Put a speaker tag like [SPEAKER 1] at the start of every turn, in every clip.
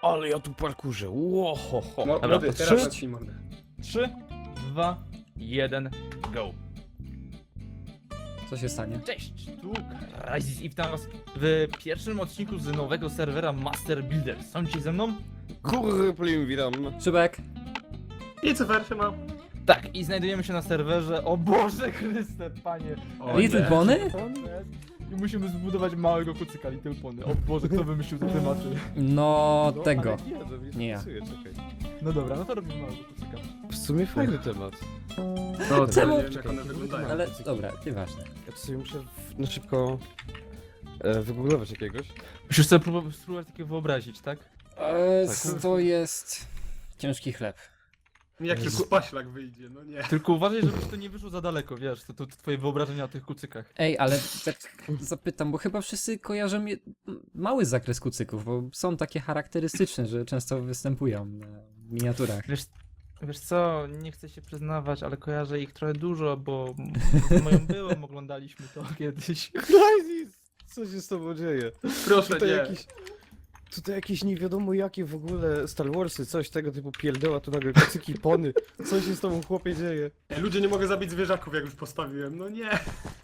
[SPEAKER 1] Ale ja tu parkurzę, łohoho.
[SPEAKER 2] Dobra,
[SPEAKER 3] Młody,
[SPEAKER 2] to
[SPEAKER 3] teraz
[SPEAKER 2] trzy?
[SPEAKER 3] zacznij mordę.
[SPEAKER 2] 3, 2, 1, go.
[SPEAKER 4] Co się stanie?
[SPEAKER 2] Cześć, tu Crysis i witam was w pierwszym odcinku z nowego serwera Master Builder. Są ci ze mną?
[SPEAKER 1] Kurplim, witam.
[SPEAKER 4] Szybek!
[SPEAKER 3] I co werszy ma?
[SPEAKER 2] Tak, i znajdujemy się na serwerze, o Boże Chryste, panie.
[SPEAKER 3] O
[SPEAKER 4] Little
[SPEAKER 3] nie.
[SPEAKER 4] Pony?
[SPEAKER 2] I musimy zbudować małego kucyka Little Pony. O Boże, kto wymyślił te tematy?
[SPEAKER 4] No, tego.
[SPEAKER 1] Ale
[SPEAKER 4] Nie ja.
[SPEAKER 1] Czekaj.
[SPEAKER 2] No dobra, no to robimy małego kucyka.
[SPEAKER 1] W sumie fajny temat.
[SPEAKER 3] No, to
[SPEAKER 4] Czemu?
[SPEAKER 3] nie wiem jak one wyglądają.
[SPEAKER 4] Ale dobra, nieważne.
[SPEAKER 1] Ja to sobie muszę na szybko wygooglować jakiegoś.
[SPEAKER 2] Musisz sobie spróbować takie wyobrazić, tak?
[SPEAKER 4] To jest ciężki chleb.
[SPEAKER 3] Jak tylko paślak wyjdzie, no nie.
[SPEAKER 2] Tylko uważaj, żebyś to nie wyszło za daleko, wiesz, to twoje wyobrażenia o tych kucykach.
[SPEAKER 4] Ej, ale tak zapytam, bo chyba wszyscy kojarzą mały zakres kucyków, bo są takie charakterystyczne, że często występują na miniaturach.
[SPEAKER 2] Wiesz co, nie chcę się przyznawać, ale kojarzę ich trochę dużo, bo z moją byłą oglądaliśmy to kiedyś.
[SPEAKER 1] Crysis! Co się z tobą dzieje?
[SPEAKER 3] Proszę
[SPEAKER 1] Tutaj
[SPEAKER 3] nie.
[SPEAKER 1] Tutaj jakieś nie wiadomo jakie w ogóle Star Warsy, coś tego typu pierdoła, tu nagle kocyki, pony. Co się z tobą chłopie dzieje?
[SPEAKER 3] Ludzie nie mogę zabić zwierzaków jak już postawiłem, no nie.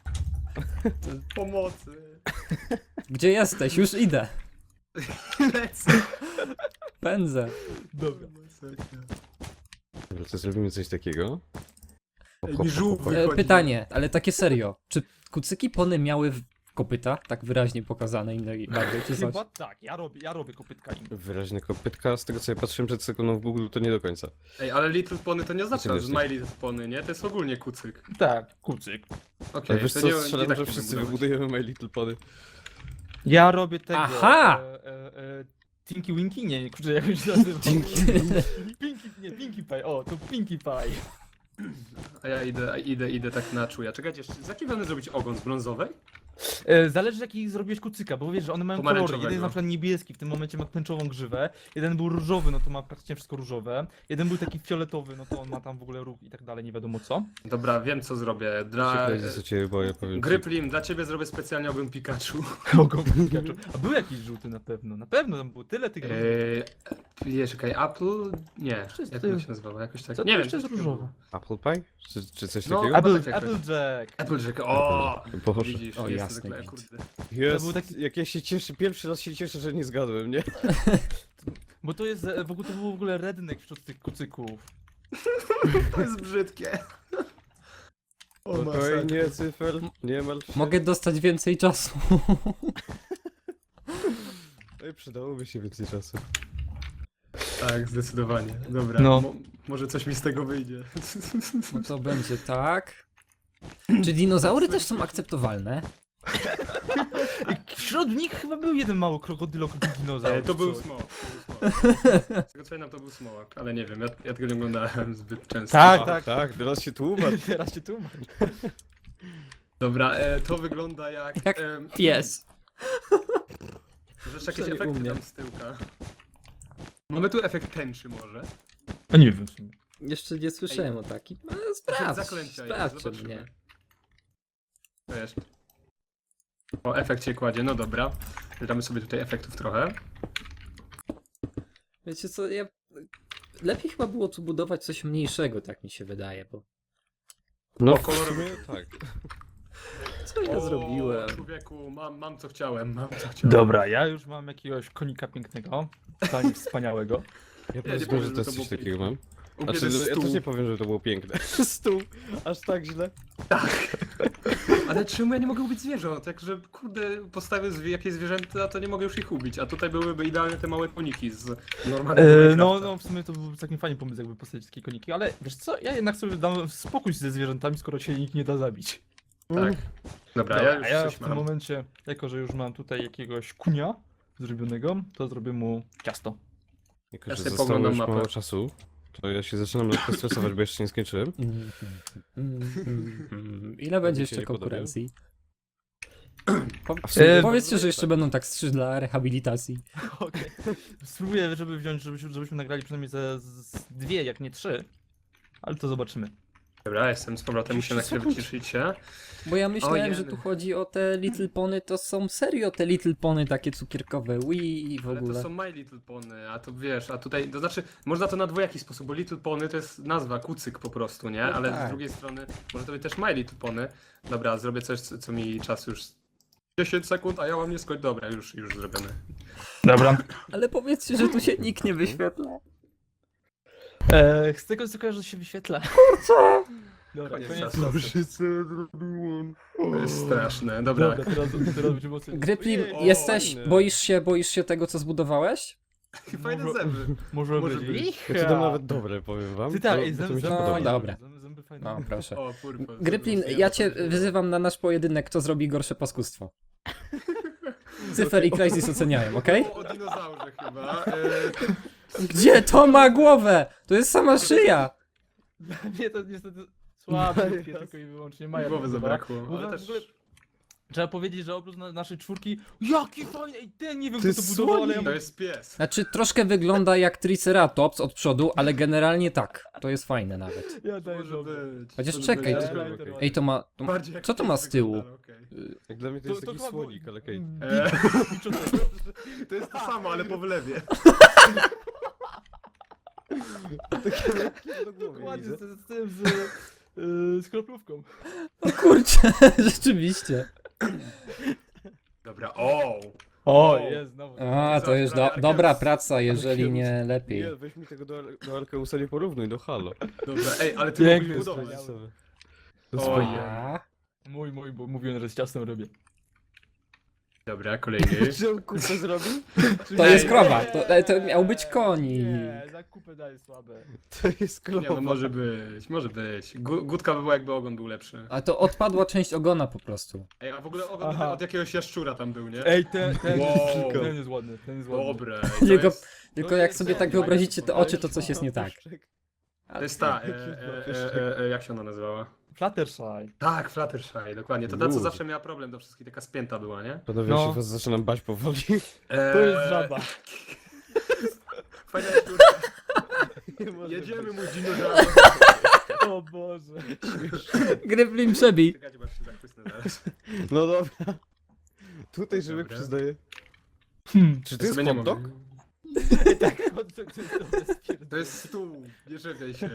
[SPEAKER 3] Pomocy.
[SPEAKER 4] Gdzie jesteś? Już idę.
[SPEAKER 3] Lecę.
[SPEAKER 4] Pędzę.
[SPEAKER 2] Dobra.
[SPEAKER 1] Dobra, to zrobimy coś takiego.
[SPEAKER 3] Ej, mi żółw wychodzi.
[SPEAKER 4] Pytanie, ale takie serio. Czy kucyki pony miały kopyta, tak wyraźnie pokazane innej barwy, czy coś?
[SPEAKER 2] Chyba tak, ja robię kopytka im.
[SPEAKER 1] Wyraźne kopytka, z tego co ja patrzyłem przed sekundą w Google, to nie do końca.
[SPEAKER 3] Ej, ale Little Pony to nie oznacza,
[SPEAKER 1] Znaczy,
[SPEAKER 3] że My Little Pony, nie? To jest ogólnie kucyk.
[SPEAKER 2] Tak, kucyk.
[SPEAKER 3] Okej,
[SPEAKER 1] Ale wiesz
[SPEAKER 3] to
[SPEAKER 1] co,
[SPEAKER 3] nie, nie
[SPEAKER 1] strzelam,
[SPEAKER 3] tak
[SPEAKER 1] że
[SPEAKER 3] powinno
[SPEAKER 1] wszyscy
[SPEAKER 3] budować.
[SPEAKER 1] wybudujemy My Little Pony.
[SPEAKER 2] Ja robię tego.
[SPEAKER 4] Aha!
[SPEAKER 2] Tinky Winky? Nie, kurczę, jak już się nazywa. Pinkie Pie, o, to Pinkie Pie.
[SPEAKER 3] A ja idę tak na czuja. Czekajcie, z jakiej będę zrobić ogon? Z brązowej?
[SPEAKER 2] Zależy jaki zrobiłeś kucyka, bo wiesz, że one mają kolory. Jeden jest na przykład niebieski, w tym momencie ma tęczową grzywę. Jeden był różowy, no to ma praktycznie wszystko różowe. Jeden był taki fioletowy, no to on ma tam w ogóle róg i tak dalej, nie wiadomo co.
[SPEAKER 3] Dobra, wiem co zrobię.
[SPEAKER 1] Czekaj, co cię boję, powiem ci.
[SPEAKER 3] Gryplim, dla ciebie zrobię specjalnie ogon Pikachu.
[SPEAKER 2] Ogon Pikachu. A był jakiś żółty na pewno. Na pewno tam było tyle tych
[SPEAKER 3] Czekaj, Apple? Nie,
[SPEAKER 2] Wszyscy.
[SPEAKER 3] jak to się nazywało? Jakoś tak.
[SPEAKER 2] Co
[SPEAKER 3] Nie
[SPEAKER 2] to
[SPEAKER 3] wiem,
[SPEAKER 2] jeszcze jest
[SPEAKER 3] coś
[SPEAKER 2] różowe?
[SPEAKER 1] Apple Pie? Czy coś
[SPEAKER 3] No,
[SPEAKER 1] takiego?
[SPEAKER 3] Apple-
[SPEAKER 2] Applejack.
[SPEAKER 3] Applejack, o!
[SPEAKER 1] Boże.
[SPEAKER 3] Widzisz,
[SPEAKER 4] O,
[SPEAKER 3] jestem
[SPEAKER 4] jasny
[SPEAKER 3] zwykle,
[SPEAKER 4] gwint.
[SPEAKER 3] kurde.
[SPEAKER 1] Jest,
[SPEAKER 2] To był taki-
[SPEAKER 1] jak ja się cieszę, pierwszy raz się cieszę, że nie zgadłem, nie?
[SPEAKER 2] Bo to jest, w ogóle to był w ogóle redneck wśród tych kucyków.
[SPEAKER 3] To jest brzydkie. O,
[SPEAKER 1] Spokojnie, cyfer, nie martw się.
[SPEAKER 4] Mogę dostać więcej czasu.
[SPEAKER 1] Ej, przydałoby się więcej czasu.
[SPEAKER 3] Tak, zdecydowanie. Dobra,
[SPEAKER 2] No.
[SPEAKER 3] może coś mi z tego wyjdzie.
[SPEAKER 4] No to będzie tak. Czy dinozaury też są akceptowalne?
[SPEAKER 2] I wśród nich chyba był jeden mały dinozaur.
[SPEAKER 3] To był
[SPEAKER 2] coś.
[SPEAKER 3] smok. Z tego co pamiętam, to był smok, ale nie wiem, ja tego nie oglądałem zbyt często.
[SPEAKER 2] Tak,
[SPEAKER 1] A,
[SPEAKER 2] tak.
[SPEAKER 1] tak, teraz się tłumacz.
[SPEAKER 2] Teraz się tłumacz.
[SPEAKER 3] Dobra, to wygląda jak...
[SPEAKER 4] Jak pies.
[SPEAKER 3] Może jeszcze jakieś
[SPEAKER 4] Przynajmniej u
[SPEAKER 3] efekty
[SPEAKER 4] mnie.
[SPEAKER 3] tam z tyłka. Mamy tu efekt tęczy może.
[SPEAKER 2] A nie wiem w sumie.
[SPEAKER 4] Jeszcze nie słyszałem o takim. No,
[SPEAKER 3] Efekt
[SPEAKER 4] sprawdź,
[SPEAKER 3] zaklęcia jest,
[SPEAKER 4] sprawdź
[SPEAKER 3] zobaczymy.
[SPEAKER 4] mnie.
[SPEAKER 3] Wiesz. O, efekt się kładzie, no dobra. Damy sobie tutaj efektów trochę.
[SPEAKER 4] Wiecie co, lepiej chyba było tu budować coś mniejszego, tak mi się wydaje, bo...
[SPEAKER 1] No,
[SPEAKER 3] O,
[SPEAKER 1] w
[SPEAKER 3] kolorowy.
[SPEAKER 1] sumie tak.
[SPEAKER 4] Co ja zrobiłem?
[SPEAKER 3] Człowieku, mam co chciałem, mam co chciałem.
[SPEAKER 2] Dobra, ja już mam jakiegoś konika pięknego, tak wspaniałego.
[SPEAKER 1] Ja
[SPEAKER 3] nie
[SPEAKER 1] powiedzmy,
[SPEAKER 3] powiem,
[SPEAKER 1] że
[SPEAKER 3] że
[SPEAKER 1] to
[SPEAKER 3] to
[SPEAKER 1] jest
[SPEAKER 3] było
[SPEAKER 1] coś takiego mam.
[SPEAKER 3] Ubierz
[SPEAKER 1] Znaczy, ja
[SPEAKER 3] stół.
[SPEAKER 1] też nie powiem, że to było piękne. Stół, aż tak źle.
[SPEAKER 3] Ale czemu ja nie mogę ubić zwierząt? Także, kurde, postawię jakieś zwierzęta, to nie mogę już ich ubić. A tutaj byłyby idealne te małe koniki z normalnego Minecrafta.
[SPEAKER 2] No, w sumie to był taki fajny pomysł, jakby postawić takie koniki, ale wiesz co, ja jednak sobie dam spokój ze zwierzętami, skoro się nikt nie da zabić.
[SPEAKER 3] Tak. Dobra,
[SPEAKER 2] Dobra,
[SPEAKER 3] ja już
[SPEAKER 2] a ja
[SPEAKER 3] coś
[SPEAKER 2] w tym
[SPEAKER 3] mam.
[SPEAKER 2] momencie, jako że już mam tutaj jakiegoś kunia zrobionego, to zrobię mu ciasto.
[SPEAKER 1] Jako,
[SPEAKER 3] Ja
[SPEAKER 1] że
[SPEAKER 3] sobie
[SPEAKER 1] zostało
[SPEAKER 3] poglądam
[SPEAKER 1] już
[SPEAKER 3] mapę.
[SPEAKER 1] mało czasu, to ja się zaczynam lekko stresować, bo jeszcze nie skończyłem.
[SPEAKER 4] Ile będzie
[SPEAKER 1] się
[SPEAKER 4] jeszcze
[SPEAKER 1] nie podoba?
[SPEAKER 4] konkurencji?
[SPEAKER 1] A w sumie-
[SPEAKER 4] Powiedzcie, że jeszcze będą tak 3 dla rehabilitacji.
[SPEAKER 2] Okej. Spróbuję, żeby wziąć, żebyśmy nagrali przynajmniej ze dwie, jak nie trzy. Ale to zobaczymy.
[SPEAKER 3] Dobra, jestem z powrotem, muszę na chwilę wyciszyć się.
[SPEAKER 4] Bo ja myślałem, że
[SPEAKER 3] Ojej.
[SPEAKER 4] tu chodzi o te Little Pony, to są serio te Little Pony takie cukierkowe, i w
[SPEAKER 3] Ale to
[SPEAKER 4] ogóle.
[SPEAKER 3] są My Little Pony, a to wiesz, a tutaj, to znaczy, można to na dwojaki sposób, bo Little Pony to jest nazwa, kucyk po prostu, nie?
[SPEAKER 4] No
[SPEAKER 3] Ale
[SPEAKER 4] tak.
[SPEAKER 3] z drugiej strony, może to być też My Little Pony. Dobra, zrobię coś, co mi czas już 10 sekund, a ja mam nie skończyć. Dobra, już zrobione.
[SPEAKER 2] Dobra.
[SPEAKER 4] Ale powiedzcie, że tu się nikt nie wyświetla.
[SPEAKER 2] Z tego co kojarzę, się wyświetla. Dobra,
[SPEAKER 3] Koniec
[SPEAKER 2] koniec
[SPEAKER 3] czasu.
[SPEAKER 2] czasu.
[SPEAKER 3] To jest straszne, dobra.
[SPEAKER 2] Dobra, teraz będziemy oceniać.
[SPEAKER 4] Gryplim,
[SPEAKER 1] Ojej,
[SPEAKER 4] jesteś,
[SPEAKER 1] fajne.
[SPEAKER 4] boisz się tego, co zbudowałeś?
[SPEAKER 3] Fajne
[SPEAKER 2] Może-
[SPEAKER 3] zęby.
[SPEAKER 2] Może
[SPEAKER 3] Może
[SPEAKER 2] być.
[SPEAKER 3] być.
[SPEAKER 1] Ja to dam nawet dobre, powiem wam.
[SPEAKER 2] Ty tak,
[SPEAKER 1] To-
[SPEAKER 2] ej,
[SPEAKER 1] to mi
[SPEAKER 2] zęby
[SPEAKER 1] się
[SPEAKER 4] No,
[SPEAKER 1] podoba.
[SPEAKER 4] dobra.
[SPEAKER 2] Zęby fajne.
[SPEAKER 4] No, proszę.
[SPEAKER 3] O, purpos.
[SPEAKER 4] Gryplin, ja cię wyzywam na nasz pojedynek, kto zrobi gorsze paskustwo. Cyfer i Crysis oceniają, okej?
[SPEAKER 3] O dinozaurze chyba.
[SPEAKER 4] Gdzie to ma głowę? To jest sama szyja!
[SPEAKER 2] Nie, to niestety słabe,
[SPEAKER 1] Maja.
[SPEAKER 2] tylko i wyłącznie Maja.
[SPEAKER 3] Głowy
[SPEAKER 2] podoba.
[SPEAKER 3] zabrakło,
[SPEAKER 2] Bo
[SPEAKER 3] ale
[SPEAKER 2] w
[SPEAKER 3] też...
[SPEAKER 2] ogóle trzeba powiedzieć, że oprócz naszej czwórki, jaki fajny, ej, ten nie wiem
[SPEAKER 1] To
[SPEAKER 2] kto to
[SPEAKER 1] jest
[SPEAKER 2] budował, ale ja
[SPEAKER 1] słonik.
[SPEAKER 3] To jest pies.
[SPEAKER 4] Znaczy, troszkę wygląda jak Triceratops od przodu, ale generalnie tak. To jest fajne nawet.
[SPEAKER 2] Ja daję
[SPEAKER 3] Może
[SPEAKER 2] dobrze.
[SPEAKER 3] być.
[SPEAKER 4] Chociaż
[SPEAKER 3] może
[SPEAKER 4] czekaj,
[SPEAKER 3] być.
[SPEAKER 1] to-
[SPEAKER 3] Okej.
[SPEAKER 4] Ej, to ma... To...
[SPEAKER 3] Bardziej jak
[SPEAKER 4] Co to ma
[SPEAKER 3] pies
[SPEAKER 4] z tyłu?
[SPEAKER 3] wygląda, okej.
[SPEAKER 1] Jak dla mnie to jest taki
[SPEAKER 2] chyba było-
[SPEAKER 1] słonik, ale okej.
[SPEAKER 3] Eee,
[SPEAKER 2] Biczone.
[SPEAKER 3] To jest to samo, ale po wylewie.
[SPEAKER 2] Dokładnie, z tym, z kroplówką.
[SPEAKER 4] O kurczę, rzeczywiście.
[SPEAKER 3] Dobra, o!
[SPEAKER 2] O, jest znowu.
[SPEAKER 4] A, to już dobra praca, jeżeli nie lepiej.
[SPEAKER 1] Nie, weź mi tego do Arkeusa nie porównuj, do Halo.
[SPEAKER 3] Dobra, ej, ale ty
[SPEAKER 2] Piękny
[SPEAKER 3] mógłbyś
[SPEAKER 2] jest
[SPEAKER 3] budować.
[SPEAKER 2] wspaniały.
[SPEAKER 3] Ojej.
[SPEAKER 4] A,
[SPEAKER 2] Mój, bo mówiłem, że z ciastem robię.
[SPEAKER 3] Dobra, kolejny.
[SPEAKER 1] Czy on kupę zrobił?
[SPEAKER 4] to jest krowa, to miał być konik.
[SPEAKER 2] Nie, za kupę daje słabe.
[SPEAKER 1] To jest
[SPEAKER 3] Nie, no
[SPEAKER 1] krowa.
[SPEAKER 3] może być, może być. Gutka by była, jakby ogon był lepszy.
[SPEAKER 4] A to odpadła część ogona po prostu.
[SPEAKER 3] Ej, a w ogóle ogon
[SPEAKER 2] Aha.
[SPEAKER 3] od jakiegoś jaszczura tam był, nie?
[SPEAKER 2] Ej, ten
[SPEAKER 3] Wow.
[SPEAKER 2] jest ładny, ten jest ładny.
[SPEAKER 3] Dobre.
[SPEAKER 4] Tylko-
[SPEAKER 3] Jest,
[SPEAKER 4] Tylko jak sobie tak wyobrazicie te oczy, to coś jest nie tak.
[SPEAKER 3] to jest ta, jak się ona nazywała?
[SPEAKER 2] Fluttershy.
[SPEAKER 3] Tak, Fluttershy, dokładnie. To ta, co
[SPEAKER 1] Uuu.
[SPEAKER 3] zawsze miała problem do wszystkich, taka spięta była, nie?
[SPEAKER 1] Panowie,
[SPEAKER 2] No.
[SPEAKER 1] się was zaczynam bać powoli.
[SPEAKER 2] To jest żaba.
[SPEAKER 3] Fajna sztuka.
[SPEAKER 1] Nie może
[SPEAKER 3] Jedziemy,
[SPEAKER 1] być.
[SPEAKER 3] mój dinozaur.
[SPEAKER 2] O Boże.
[SPEAKER 4] Gryplin przebij.
[SPEAKER 3] Czekajcie, bo aż się zachłysnę zaraz.
[SPEAKER 1] No dobra. Tutaj żywy
[SPEAKER 3] Dobra.
[SPEAKER 1] przyznaję. Czy to
[SPEAKER 3] Ja
[SPEAKER 1] jest
[SPEAKER 3] sobie nie
[SPEAKER 1] hot dog?
[SPEAKER 3] mogę.
[SPEAKER 2] Tak, to
[SPEAKER 3] To jest stół, nie czepiaj się.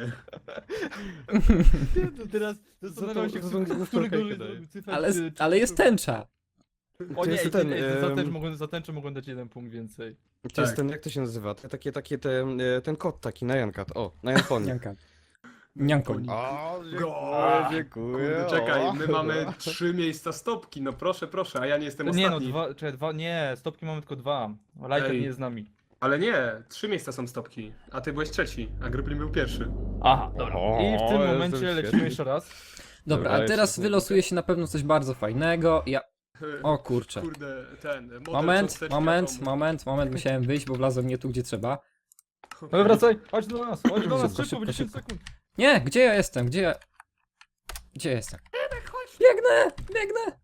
[SPEAKER 2] To teraz zastanawiam się,
[SPEAKER 1] za tą
[SPEAKER 2] który
[SPEAKER 1] główkę
[SPEAKER 2] gorzej
[SPEAKER 1] daje.
[SPEAKER 2] zrobił cyfer,
[SPEAKER 4] Ale,
[SPEAKER 2] czy-
[SPEAKER 4] ale jest tęcza.
[SPEAKER 2] O
[SPEAKER 1] To
[SPEAKER 2] nie,
[SPEAKER 1] jest
[SPEAKER 2] ten,
[SPEAKER 1] ten,
[SPEAKER 2] za tęczę mogłem dać jeden punkt więcej.
[SPEAKER 1] To jest
[SPEAKER 3] Tak.
[SPEAKER 1] ten, jak to się nazywa? Ten kot taki, Nyankat. O, Nyanpony.
[SPEAKER 4] Nianka. Niankoń.
[SPEAKER 1] O,
[SPEAKER 3] A,
[SPEAKER 1] dziękuję.
[SPEAKER 3] Kurde, czekaj,
[SPEAKER 1] o.
[SPEAKER 3] my mamy 3 miejsca stopki, no proszę, a ja nie jestem
[SPEAKER 2] Nie no,
[SPEAKER 3] ostatni.
[SPEAKER 2] nie, stopki mamy tylko 2. Lighter
[SPEAKER 3] Ej.
[SPEAKER 2] nie jest z nami.
[SPEAKER 3] Ale nie, 3 miejsca są stopki, a ty byłeś trzeci, a Gryplin był pierwszy.
[SPEAKER 2] Aha, dobra.
[SPEAKER 1] O,
[SPEAKER 2] I w tym
[SPEAKER 1] jestem
[SPEAKER 2] momencie
[SPEAKER 1] świetny.
[SPEAKER 2] lecimy jeszcze raz.
[SPEAKER 4] Dobra,
[SPEAKER 1] Dobra,
[SPEAKER 4] a teraz
[SPEAKER 1] jeszcze
[SPEAKER 4] wylosuje się na pewno coś bardzo fajnego. O kurczę.
[SPEAKER 3] Kurde, ten, model
[SPEAKER 4] Moment,
[SPEAKER 3] cząsteczki
[SPEAKER 4] moment,
[SPEAKER 3] atomu.
[SPEAKER 4] musiałem wyjść, bo wlazłem nie tu, gdzie trzeba.
[SPEAKER 2] No wracaj, chodź do nas,
[SPEAKER 4] Szybko,
[SPEAKER 2] szybko,
[SPEAKER 4] szybko,
[SPEAKER 2] bo 10
[SPEAKER 4] szybko.
[SPEAKER 2] sekund.
[SPEAKER 4] Nie, gdzie ja jestem? Gdzie jestem? Biegnę!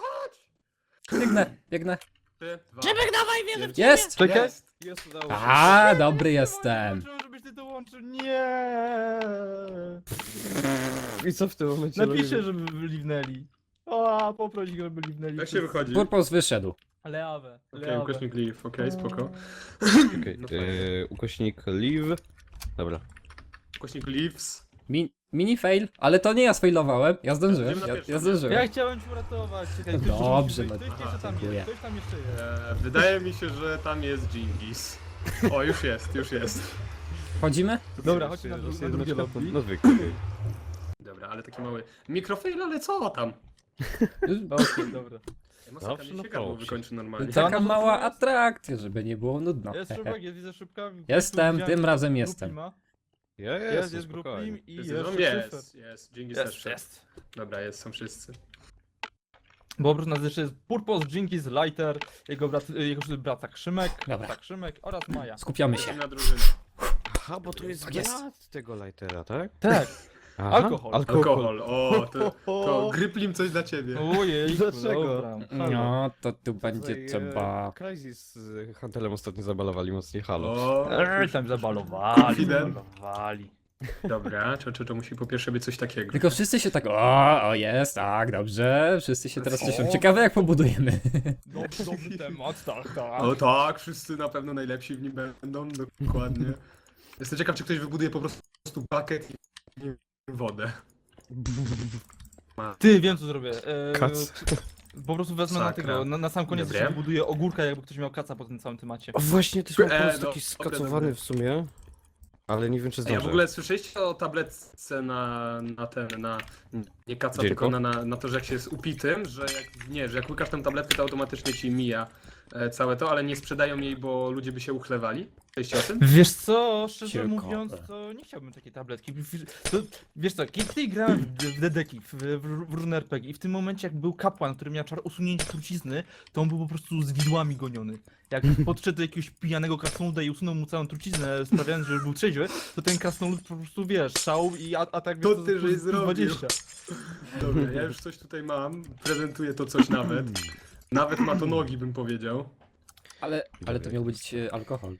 [SPEAKER 4] Biegnę.
[SPEAKER 3] 3, 2,
[SPEAKER 4] Jest!
[SPEAKER 2] Czekaj.
[SPEAKER 3] Jest.
[SPEAKER 1] Jest, udało się.
[SPEAKER 4] A, dobry jestem.
[SPEAKER 2] Zobaczyłem, żebyś ty dołączył, nie.
[SPEAKER 1] I co w tym momencie
[SPEAKER 2] Napiszę,
[SPEAKER 1] robimy?
[SPEAKER 2] żeby liwnęli. O, poproś go, żeby liwnęli.
[SPEAKER 3] Jak się wychodzi?
[SPEAKER 4] Purpose wyszedł.
[SPEAKER 2] Leawę,
[SPEAKER 3] Okej, ukośnik leave, okej, spoko.
[SPEAKER 1] Okej,
[SPEAKER 3] No fajnie.
[SPEAKER 1] ukośnik leave. Dobra.
[SPEAKER 3] Ukośnik leaves.
[SPEAKER 4] Mini fail, ale to nie ja sfailowałem. Ja zdążyłem.
[SPEAKER 3] Idziemy na pierwszą.
[SPEAKER 4] Ja zdążyłem.
[SPEAKER 2] Ja chciałem cię uratować. Czekaj, ktoś
[SPEAKER 4] Dobrze,
[SPEAKER 2] musi być.
[SPEAKER 4] no.
[SPEAKER 2] Ktoś jeszcze tam
[SPEAKER 4] dziękuję.
[SPEAKER 2] jest, ktoś tam jeszcze jest.
[SPEAKER 3] Wydaje mi się, że tam jest Gingis. O, już jest.
[SPEAKER 4] Chodzimy?
[SPEAKER 2] Dobra, chodźmy na drugie lobby.
[SPEAKER 1] No zwykle.
[SPEAKER 3] Dobra, ale taki mały mikrofail, ale co tam?
[SPEAKER 2] Okej, dobra.
[SPEAKER 3] Masakra
[SPEAKER 1] Zawsze
[SPEAKER 3] mi
[SPEAKER 1] na
[SPEAKER 3] się gardło
[SPEAKER 1] pauzie.
[SPEAKER 3] wykończy normalnie.
[SPEAKER 4] Taka mała atrakcja, żeby nie było nudno.
[SPEAKER 2] Jest szybak, jest, widzę szybka.
[SPEAKER 4] Jestem, tym razem jestem.
[SPEAKER 2] Jest grupim i
[SPEAKER 3] Jest,
[SPEAKER 2] jeszcze
[SPEAKER 3] jest, Gingis też wszedł.
[SPEAKER 2] Jest.
[SPEAKER 3] Dobra, są wszyscy.
[SPEAKER 2] Bo oprócz nas jeszcze jest Purpose, Jinkies, Lighter, jego brat Krzymek,
[SPEAKER 4] Dobra.
[SPEAKER 2] Krzymek oraz Maja.
[SPEAKER 4] Skupiamy się.
[SPEAKER 3] Na drużynę.
[SPEAKER 1] Aha, bo to jest
[SPEAKER 4] Tak jest.
[SPEAKER 1] brat tego lightera, tak?
[SPEAKER 2] Tak.
[SPEAKER 1] Aha.
[SPEAKER 2] Alkohol.
[SPEAKER 3] Alkohol, o, to Gryplim coś dla ciebie.
[SPEAKER 2] Ojej,
[SPEAKER 1] Dlaczego?
[SPEAKER 2] dobra.
[SPEAKER 4] No, to tu będzie
[SPEAKER 1] Tutaj,
[SPEAKER 4] trzeba...
[SPEAKER 1] Crysis z Hantelem ostatnio zabalowali mocniej Halo.
[SPEAKER 3] O,
[SPEAKER 2] Tam zabalowali,
[SPEAKER 3] Confident.
[SPEAKER 2] zabalowali.
[SPEAKER 3] Dobra, to musi po pierwsze być coś takiego.
[SPEAKER 4] Tylko wszyscy się tak, o jest, tak, dobrze, wszyscy się teraz cieszą. Ciekawe jak pobudujemy.
[SPEAKER 2] Dobry temat, tak, tak.
[SPEAKER 3] O tak, wszyscy na pewno najlepsi w nim będą, dokładnie. Jestem ciekaw, czy ktoś wybuduje po prostu bukiet i wodę.
[SPEAKER 2] Ty, wiem co zrobię.
[SPEAKER 1] Kac.
[SPEAKER 2] Po prostu wezmę na
[SPEAKER 3] Sakra.
[SPEAKER 2] tego, na sam koniec
[SPEAKER 3] Dobre.
[SPEAKER 2] jeszcze wybuduję ogórka, jakby ktoś miał kaca po tym całym temacie.
[SPEAKER 1] O, właśnie też mam pomysł
[SPEAKER 3] no,
[SPEAKER 1] taki
[SPEAKER 3] dobre,
[SPEAKER 1] skacowany
[SPEAKER 3] dobre.
[SPEAKER 1] w sumie. Ale nie wiem czy
[SPEAKER 3] A ja
[SPEAKER 1] zdążę.
[SPEAKER 3] w ogóle słyszeliście o tabletce na nie kaca,
[SPEAKER 1] Dzięko.
[SPEAKER 3] tylko na to, że jak się jest upitym, że że jak łykasz tę tabletkę, to automatycznie ci mija całe to, ale nie sprzedają jej, bo ludzie by się uchlewali. Słyszeliście o tym?
[SPEAKER 2] Wiesz co, szczerze
[SPEAKER 4] Ciekawe.
[SPEAKER 2] mówiąc, to nie chciałbym takiej tabletki. To, wiesz co, kiedy grałem w Dedeki, w różne RPG i w tym momencie jak był kapłan, który miał czar usunięcia trucizny, to on był po prostu z widłami goniony. Jak podszedł do jakiegoś pijanego krasnoluda i usunął mu całą truciznę, sprawiając, że już był trzeźwy, to ten krasnolud po prostu, wiesz, szał i atak
[SPEAKER 3] To
[SPEAKER 2] wiesz,
[SPEAKER 3] ty, żeś
[SPEAKER 2] plus
[SPEAKER 3] zrobił.
[SPEAKER 2] 20.
[SPEAKER 3] Dobra, ja już coś tutaj mam, prezentuję to coś nawet. Nawet ma to nogi, bym powiedział.
[SPEAKER 4] Ale to miał być alkohol.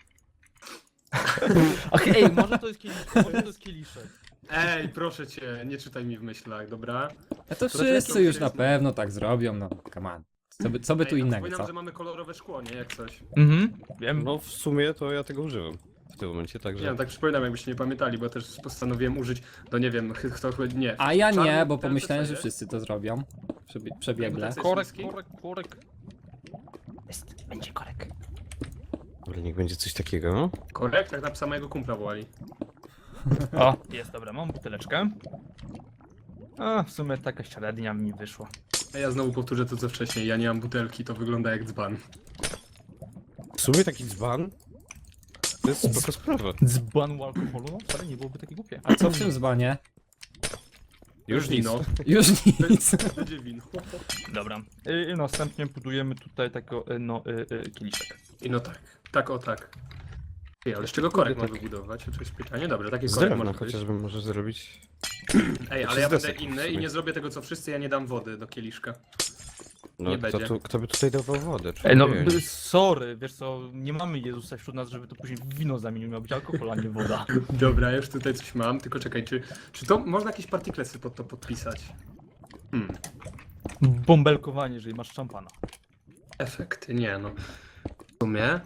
[SPEAKER 2] Ach, ej, może to jest kieliszek, może to jest kieliszek.
[SPEAKER 3] Ej, proszę cię, nie czytaj mi w myślach, dobra?
[SPEAKER 4] A to
[SPEAKER 3] To
[SPEAKER 4] wszyscy
[SPEAKER 3] raczej
[SPEAKER 4] już na
[SPEAKER 3] jest-
[SPEAKER 4] pewno tak zrobią, no come on. Co by tu
[SPEAKER 3] Ej, a
[SPEAKER 4] innego,
[SPEAKER 3] Przypominam,
[SPEAKER 4] co?
[SPEAKER 3] że mamy kolorowe szkło, nie? Jak coś.
[SPEAKER 2] Mhm, wiem.
[SPEAKER 1] No w sumie to ja tego używam w tym momencie,
[SPEAKER 3] Nie
[SPEAKER 1] także...
[SPEAKER 3] wiem, tak przypominam, jakbyście nie pamiętali, bo też postanowiłem użyć, no nie wiem, kto nie.
[SPEAKER 4] A ja nie,
[SPEAKER 3] Czarny
[SPEAKER 4] bo
[SPEAKER 3] ten
[SPEAKER 4] pomyślałem, że
[SPEAKER 3] CC,
[SPEAKER 4] wszyscy to zrobią. Przebiegle.
[SPEAKER 3] CC.
[SPEAKER 2] Korek. Będzie korek.
[SPEAKER 1] Dobra, niech będzie coś takiego.
[SPEAKER 3] Korekt, tak na psa mojego kumpla wołali.
[SPEAKER 2] O, jest, dobra, mam buteleczkę. A, w sumie taka średnia mi wyszła.
[SPEAKER 3] A ja znowu powtórzę to co wcześniej, ja nie mam butelki, to wygląda jak dzban.
[SPEAKER 1] W sumie taki dzban to jest spoko sprawa.
[SPEAKER 2] Dzban alkoholu, no wcale nie byłoby takie głupie.
[SPEAKER 4] A co w tym dzbanie?
[SPEAKER 1] Już nic.
[SPEAKER 3] wino.
[SPEAKER 4] Już nic.
[SPEAKER 3] Będzie wino.
[SPEAKER 2] Dobra. I następnie budujemy tutaj takiego, kieliszek.
[SPEAKER 3] I no tak, tak o tak. Ej, ale z czego korek
[SPEAKER 1] Kurde,
[SPEAKER 3] mam
[SPEAKER 1] tak.
[SPEAKER 3] wybudować? To jest pytanie. Dobra, taki
[SPEAKER 1] Z
[SPEAKER 3] korek
[SPEAKER 1] drewna
[SPEAKER 3] może być.
[SPEAKER 1] chociażby może zrobić.
[SPEAKER 3] Ej,
[SPEAKER 1] Czy
[SPEAKER 3] ale
[SPEAKER 1] z
[SPEAKER 3] ja będę
[SPEAKER 1] desek w
[SPEAKER 3] inny
[SPEAKER 1] sumie?
[SPEAKER 3] i nie zrobię tego co wszyscy, ja nie dam wody do kieliszka.
[SPEAKER 1] No
[SPEAKER 3] Nie
[SPEAKER 1] kto,
[SPEAKER 3] będzie.
[SPEAKER 1] kto by tutaj dawał wodę?
[SPEAKER 2] Ej, no,
[SPEAKER 1] człowiek?
[SPEAKER 2] sorry, wiesz co, nie mamy Jezusa wśród nas, żeby to później w wino zamienił, miał być alkohol, a nie woda.
[SPEAKER 3] Dobra, już tutaj coś mam, tylko czekaj, czy to można jakieś partiklesy pod to podpisać?
[SPEAKER 2] Bąbelkowanie, jeżeli masz szampana.
[SPEAKER 3] Efekty, nie no. W sumie...